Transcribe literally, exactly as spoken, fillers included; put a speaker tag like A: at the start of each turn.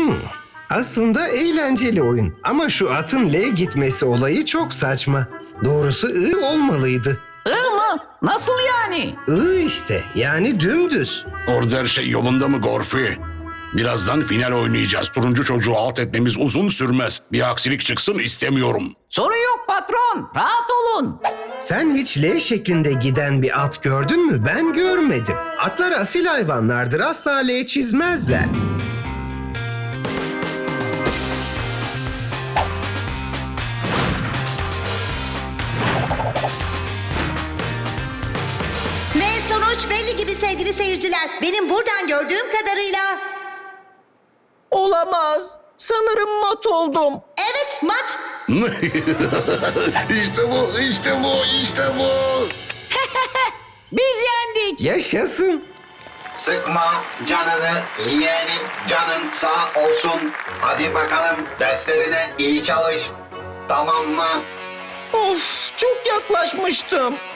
A: Aslında eğlenceli oyun ama şu atın L gitmesi olayı çok saçma. Doğrusu I olmalıydı.
B: I mı? Nasıl yani?
A: I işte, yani dümdüz.
C: Orada her şey yolunda mı Gorfi? Birazdan final oynayacağız. Turuncu çocuğu alt etmemiz uzun sürmez. Bir aksilik çıksın istemiyorum.
B: Sorun yok patron. Rahat olun.
A: Sen hiç L şeklinde giden bir at gördün mü? Ben görmedim. Atlar asil hayvanlardır, asla L çizmezler.
D: Ve sonuç belli gibi sevgili seyirciler. Benim buradan gördüğüm kadarıyla...
E: Olamaz. Sanırım mat oldum.
D: Evet, mat.
C: İşte bu, işte bu, işte bu.
B: Biz yendik.
A: Yaşasın.
F: Sıkma canını, yeğenim canın sağ olsun. Hadi bakalım derslerine iyi çalış. Tamam mı?
E: Of, çok yaklaşmıştım.